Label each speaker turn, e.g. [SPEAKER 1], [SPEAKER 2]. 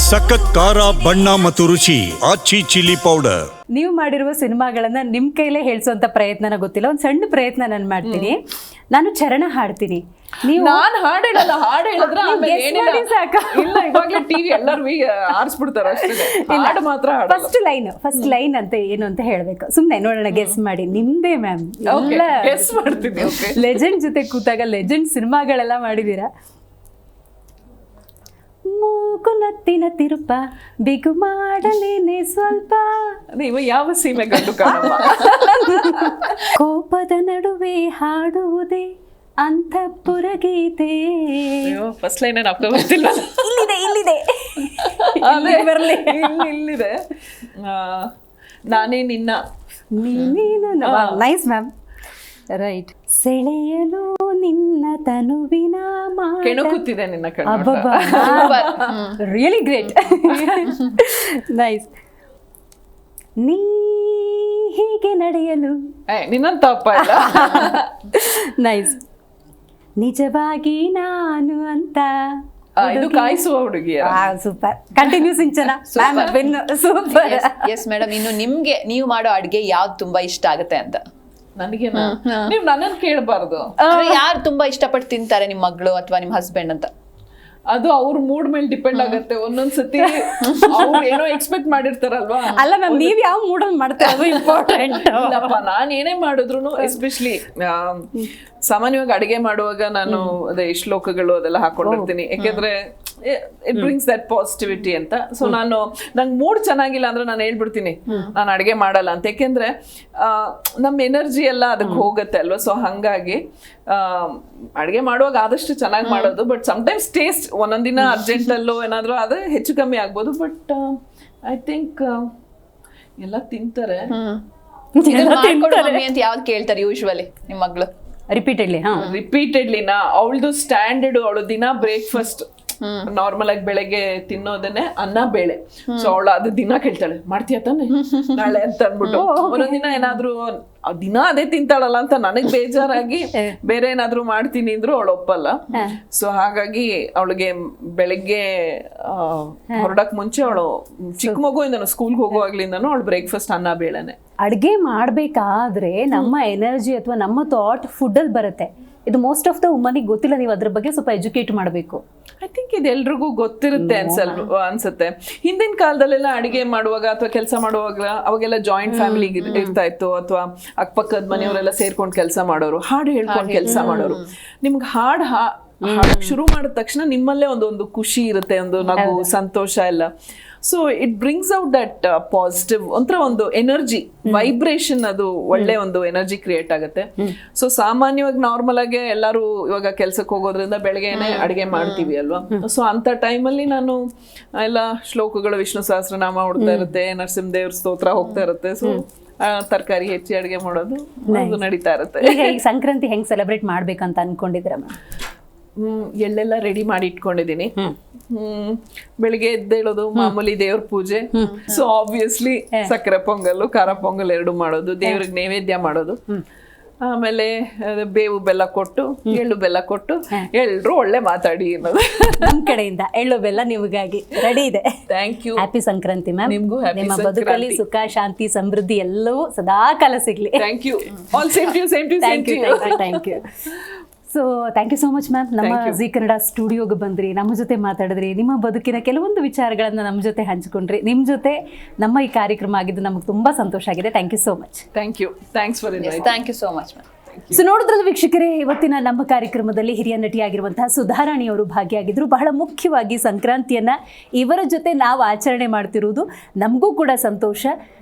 [SPEAKER 1] ಸಖತ್ ಖಾರ ಬಣ್ಣ ಮತ್ತು ರುಚಿ ಆಚಿ ಚಿಲ್ಲಿ ಪೌಡರ್.
[SPEAKER 2] ನೀವು ಮಾಡಿರುವ ಸಿನಿಮಾಗಳನ್ನ ನಿಮ್ ಕೈಲೇ ಹೇಳ್ಸೋಂತ ಪ್ರಯತ್ನನ ಗೊತ್ತಿಲ್ಲ, ಒಂದ್ ಸಣ್ಣ ಪ್ರಯತ್ನ ನಾನು ಮಾಡ್ತೀನಿ. ನಾನು ಚರಣ ಹಾಡ್ತೀನಿ, ನೀವು
[SPEAKER 3] ನಾನ್ ಹಾಡ್ ಹೇಳಲ್ಲ, ಹಾಡ್ ಹೇಳಿದ್ರೆ ಆಮೇಲೆ
[SPEAKER 2] guess
[SPEAKER 3] ಏನಿಲ್ಲ.
[SPEAKER 2] ಮಾಡಿ ಸಾಕು.
[SPEAKER 3] ಇಲ್ಲ, ಇವಾಗ್ಲೇ ಟಿವಿ ಎಲ್ಲರೂ ಆರಿಸ್ಬಿಡ್ತಾರ ಅಷ್ಟೇ. ಹಾಡು ಮಾತ್ರ ಹಾಡಲ್ಲ.
[SPEAKER 2] ಫಸ್ಟ್ ಲೈನ್ ಅಂತ ಏನು ಅಂತ ಹೇಳ್ಬೇಕು. ಸುಮ್ನೆ ನೋಡೋಣ, ಗೆಸ್ ಮಾಡಿ. ನಿಮ್ದೇ ಮ್ಯಾಮ್,
[SPEAKER 3] ಗೆಸ್ ಮಾಡ್ತೀನಿ. ಓಕೆ,
[SPEAKER 2] ಲೆಜೆಂಡ್ ಜೊತೆ ಕೂತಾಗ ಲೆಜೆಂಡ್ ಸಿನಿಮಾಗಳೆಲ್ಲ ಮಾಡಿದೀರಾ. ಮೂಗು ನತ್ತಿನ ತಿರುಪ ಬಿಗು ಮಾಡಲೇನೆ ಸ್ವಲ್ಪ,
[SPEAKER 3] ನೀವು ಯಾವ ಸೀಮೆ ಗಂಡು ಕಾಣಮ್ಮ.
[SPEAKER 2] ಕೋಪದ ನಡುವೆ ಹಾಡುವುದೇ ಅಂತಃಪುರ ಗೀತೆ.
[SPEAKER 3] ಫಸ್ಟ್ ಲೈನ್ ಏನು ಅಪ್ಪ ಬರ್ತಿಲ್ಲ.
[SPEAKER 2] ಇಲ್ಲಿದೆ
[SPEAKER 3] ಬರ್ಲಿ, ಇಲ್ಲಿದೆ. ನಾನೇ ನಿನ್ನ
[SPEAKER 2] ನೈಸ್ ಮ್ಯಾಮ್, ರೈಟ್. ಸೆಳೆಯಲು ನಿನ್ನ ತನುವಿನ
[SPEAKER 3] ಕೆಣಕುತ್ತಿದೆ ನಿನ್ನ ಕಣ್ಣು.
[SPEAKER 2] Really great, nice. ನೀ ಹೀಗೆ ನಡೆಯಲು
[SPEAKER 3] ನಿನ್ನಂತ ತಪ್ಪ ಇಲ್ಲ.
[SPEAKER 2] ನೈಸ್. ನಿಜವಾಗಿ ನಾನು ಅಂತ
[SPEAKER 3] ಇದು ಕಾಯಿಸುವ ಹುಡುಗಿಯ.
[SPEAKER 2] Super, continue Sinchana. Super.
[SPEAKER 4] Yes madam, ಇನ್ನು ನಿಮ್ಗೆ ನೀವು ಮಾಡೋ ಅಡ್ಗೆ ಯಾವ್ದು ತುಂಬಾ ಇಷ್ಟ ಆಗುತ್ತೆ ಅಂತ?
[SPEAKER 3] ನನಗೆ ನೀವು ನನ್ನನ್ನು ಕೇಳಬಾರ್ದು.
[SPEAKER 4] ಯಾರು ತುಂಬಾ ಇಷ್ಟಪಟ್ಟು ತಿಂತಾರೆ, ನಿಮ್ ಮಗಳು ಅಥವಾ ನಿಮ್ ಹಸ್ಬೆಂಡ್ ಅಂತ?
[SPEAKER 3] ಅದು ಅವ್ರ ಮೂಡ್ ಮೇಲೆ ಡಿಪೆಂಡ್ ಆಗುತ್ತೆ. ಒಂದೊಂದ್ಸತಿ ಅವ್ರು ಏನೋ ಎಕ್ಸ್ಪೆಕ್ಟ್ ಮಾಡಿರ್ತಾರಲ್ವಾ.
[SPEAKER 2] ಅಲ್ಲ ಮ್ಯಾಮ್, ನೀವ್ ಯಾವ ಮೂಡಲ್ಲಿ ಮಾಡ್ತಾರೆ ಅದು ಇಂಪಾರ್ಟೆಂಟ್.
[SPEAKER 3] ಇಲ್ಲಪ್ಪ, ನಾನ್ ಏನೇ ಮಾಡಿದ್ರು ಎಸ್ಪೆಷಲಿ ಸಾಮಾನ್ಯವಾಗಿ ಅಡಿಗೆ ಮಾಡುವಾಗ ನಾನು ಅದೇ ಶ್ಲೋಕಗಳು ಅದೆಲ್ಲ ಹಾಕೊಂಡಿರ್ತೀನಿ. ಯಾಕೆಂದ್ರೆ ಇಟ್ ಬ್ರಿಂಗ್ಸ್ ದಟ್ ಪಾಸಿಟಿವಿಟಿ ಅಂತ. ಸೊ ನಂಗೆ ಮೂಡ್ ಚೆನ್ನಾಗಿಲ್ಲ ಅಂದ್ರೆ ನಾನು ಹೇಳ್ಬಿಡ್ತೀನಿ ನಾನು ಅಡಿಗೆ ಮಾಡಲ್ಲ ಅಂತ. ಯಾಕೆಂದ್ರೆ ನಮ್ಮ ಎನರ್ಜಿ ಎಲ್ಲ ಅದಕ್ಕೆ ಹೋಗುತ್ತೆ ಅಲ್ವಾ. ಸೊ ಹಂಗಾಗಿ ಅಡಿಗೆ ಮಾಡುವಾಗ ಆದಷ್ಟು ಚೆನ್ನಾಗಿ ಮಾಡೋದು. ಬಟ್ ಸಮ್ಟೈಮ್ಸ್ ಟೇಸ್ಟ್ ಒಂದೊಂದಿನ ಅರ್ಜೆಂಟಲ್ಲೋ ಏನಾದ್ರು ಅದು ಹೆಚ್ಚು ಕಮ್ಮಿ ಆಗ್ಬೋದು. ಬಟ್ ಐ ಥಿಂಕ್ ಎಲ್ಲ ತಿಂತಾರೆ.
[SPEAKER 4] ಅಂತ ಯಾವ್ದು ಕೇಳ್ತಾರೆ ಯೂಶುವಲಿ ನಿಮ್ ಮಗಳು?
[SPEAKER 2] ರಿಪೀಟೆಡ್ಲಿ
[SPEAKER 3] ಅವಳದು ಸ್ಟ್ಯಾಂಡರ್ಡ್. ಅವಳು ದಿನ ಬ್ರೇಕ್ಫಾಸ್ಟ್ ನಾರ್ಮಲ್ ಆಗಿ ಬೆಳಗ್ಗೆ ತಿನ್ನೋದನ್ನೇ ಅನ್ನ ಬೇಳೆ. ಸೊ ಅವಳು ಅದು ದಿನ ಕೇಳ್ತಾಳೆ, ಮಾಡ್ತೀಯ ತಾನೆ ನಾಳೆ ಅಂತ ಅಂದ್ಬಿಟ್ಟು. ಒಂದೊಂದಿನ ಏನಾದ್ರು ದಿನ ಅದೇ ತಿಂತಾಳಲ್ಲ ಅಂತ ನನಗ್ ಬೇಜಾರಾಗಿ ಬೇರೆ ಏನಾದ್ರು ಮಾಡ್ತೀನಿ ಅಂದ್ರು ಅವಳು ಒಪ್ಪಲ್ಲ. ಸೊ ಹಾಗಾಗಿ ಅವಳಿಗೆ ಬೆಳಗ್ಗೆ ಹೊರಡಕ್ ಮುಂಚೆ ಅವಳು ಚಿಕ್ಕ ಮಗುವಿಂದನು ಸ್ಕೂಲ್ಗೆ ಹೋಗುವಾಗ್ಲಿಂದನು ಅವಳು ಬ್ರೇಕ್ಫಾಸ್ಟ್ ಅನ್ನ ಬೇಳೆನೆ.
[SPEAKER 2] ಅಡ್ಗೆ ಮಾಡ್ಬೇಕಾದ್ರೆ ನಮ್ಮ ಎನರ್ಜಿ ಅಥವಾ ನಮ್ಮ ಥಾಟ್ ಫುಡ್ ಅಲ್ಲಿ ಬರುತ್ತೆ. ಇದು ಮೋಸ್ಟ್ ಆಫ್ ದ ವುಮನಿಗೆ ಗೊತ್ತಿಲ್ಲ. ನೀವು ಅದ್ರ ಬಗ್ಗೆ ಸ್ವಲ್ಪ ಎಜುಕೇಟ್ ಮಾಡಬೇಕು.
[SPEAKER 3] ಐ ಥಿಂಕ್ ಇದು ಎಲ್ರಿಗೂ ಗೊತ್ತಿರುತ್ತೆ ಅನ್ಸುತ್ತೆ. ಹಿಂದಿನ ಕಾಲದಲ್ಲೆಲ್ಲ ಅಡಿಗೆ ಮಾಡುವಾಗ ಅಥವಾ ಕೆಲಸ ಮಾಡುವಾಗ ಅವಾಗೆಲ್ಲ ಜಾಯಿಂಟ್ ಫ್ಯಾಮಿಲಿ ಇರ್ತಾ ಇತ್ತು. ಅಥವಾ ಅಕ್ಕಪಕ್ಕದ ಮನೆಯವರೆಲ್ಲ ಸೇರ್ಕೊಂಡು ಕೆಲಸ ಮಾಡೋರು, ಹಾಡು ಹೇಳ್ಕೊಂಡು ಕೆಲಸ ಮಾಡೋರು. ನಿಮ್ಗೆ ಹಾಡಕ್ ಶುರು ಮಾಡಿದ ತಕ್ಷಣ ನಿಮ್ಮಲ್ಲೇ ಒಂದು ಖುಷಿ ಇರುತ್ತೆ, ಒಂದು ನಗು, ಸಂತೋಷ ಎಲ್ಲ. So it brings out that positive ಒಂಥರ ಒಂದು ಎನರ್ಜಿ ವೈಬ್ರೇಷನ್. ಅದು ಒಳ್ಳೆ ಒಂದು ಎನರ್ಜಿ ಕ್ರಿಯೇಟ್ ಆಗುತ್ತೆ. ಸೊ ಸಾಮಾನ್ಯವಾಗಿ ನಾರ್ಮಲ್ ಆಗಿ ಎಲ್ಲರೂ ಇವಾಗ ಕೆಲ್ಸಕ್ಕೆ ಹೋಗೋದ್ರಿಂದ ಬೆಳಗ್ಗೆನೆ ಅಡಿಗೆ ಮಾಡ್ತೀವಿ ಅಲ್ವಾ. ಸೊ ಅಂತ ಟೈಮಲ್ಲಿ ನಾನು ಎಲ್ಲ ಶ್ಲೋಕಗಳು, ವಿಷ್ಣು ಸಹಸ್ರನಾಮ ಹೊಡ್ತಾ ಇರುತ್ತೆ, ನರಸಿಂಹದೇವ್ರ ಸ್ತೋತ್ರ ಹೋಗ್ತಾ ಇರುತ್ತೆ. ಸೊ ತರಕಾರಿ ಹೆಚ್ಚಿ ಅಡಿಗೆ ಮಾಡೋದು ಅದು ನಡೀತಾ ಇರುತ್ತೆ.
[SPEAKER 2] ಈಗ ಸಂಕ್ರಾಂತಿ ಹೆಂಗ್ ಸೆಲೆಬ್ರೇಟ್ ಮಾಡ್ಬೇಕಂತ ಅನ್ಕೊಂಡಿದ್ದೀರಾ ಮ್ಯಾಮ್?
[SPEAKER 3] ಎಳ್ಳೆಲ್ಲ ರೆಡಿ ಮಾಡಿ ಇಟ್ಕೊಂಡಿದ್ದೀನಿ. ಬೆಳಿಗ್ಗೆ ಎದ್ದೇಳೋದು, ಮಾಮೂಲಿ ದೇವ್ರ ಪೂಜೆ. ಸೊ ಆಬ್ವಿಯಸ್ಲಿ ಸಕ್ಕರೆ ಪೊಂಗಲ್, ಖಾರ ಪೊಂಗಲ್ ಎರಡು ಮಾಡೋದು, ದೇವ್ರಿಗೆ ನೈವೇದ್ಯ ಮಾಡೋದು. ಆಮೇಲೆ ಬೇವು ಬೆಲ್ಲ ಕೊಟ್ಟು, ಎಳ್ಳು ಬೆಲ್ಲ ಕೊಟ್ಟು, ಎಲ್ರು ಒಳ್ಳೆ ಮಾತಾಡಿ ಅನ್ನೋದು
[SPEAKER 2] ನಮ್ ಕಡೆಯಿಂದ ಎಳ್ಳು ಬೆಲ್ಲ ನಿಮಗಾಗಿ ರೆಡಿ ಇದೆ.
[SPEAKER 3] Thank you.
[SPEAKER 2] Happy Sankranti ma'am.
[SPEAKER 3] ನಿಮ್ಗೂ happy
[SPEAKER 2] ನಿಮ್ಮ
[SPEAKER 3] ಸಂಕ್ರಾಂತಿ.
[SPEAKER 2] ಬದುಕಲ್ಲಿ ಸುಖ, ಶಾಂತಿ, ಸಮೃದ್ಧಿ ಎಲ್ಲವೂ ಸದಾ ಕಾಲ ಸಿಗ್ಲಿ.
[SPEAKER 3] Thank you. All same to you.
[SPEAKER 2] Thank you. So thank you so much ma'am. ನಮ್ಮ ಜಿ ಕನ್ನಡ ಸ್ಟುಡಿಯೋಗೆ ಬಂದ್ರಿ, ನಮ್ಮ ಜೊತೆ ಮಾತಾಡಿದ್ರಿ, ನಿಮ್ಮ ಬದುಕಿನ ಕೆಲವೊಂದು ವಿಚಾರಗಳನ್ನ ನಮ್ಮ ಜೊತೆ ಹಂಚಿಕೊಂಡ್ರಿ. ನಿಮ್ಮ ಜೊತೆ ನಮ್ಮ ಈ ಕಾರ್ಯಕ್ರಮ ಆಗಿದ್ದು ನಮಗೆ ತುಂಬಾ ಸಂತೋಷ ಆಗಿದೆ. Thank you so much.
[SPEAKER 3] Thank you. Thanks for invite.
[SPEAKER 4] Thank you so much ma'am.
[SPEAKER 2] So ನೋಡಿದ್ರಲ್ಲ ವೀಕ್ಷಕರೇ, ಇವತ್ತಿನ ನಮ್ಮ ಕಾರ್ಯಕ್ರಮದಲ್ಲಿ ಹಿರಿಯ ನಟಿಯಾಗಿರುವಂತಹ ಸುಧಾರಾಣಿಯವರು ಭಾಗಿಯಾಗಿದ್ರು. ಬಹಳ ಮುಖ್ಯವಾಗಿ ಸಂಕ್ರಾಂತಿಯನ್ನ ಇವರ ಜೊತೆ ನಾವು ಆಚರಣೆ ಮಾಡ್ತಿರುವುದು ನಮಗೂ ಕೂಡ ಸಂತೋಷ.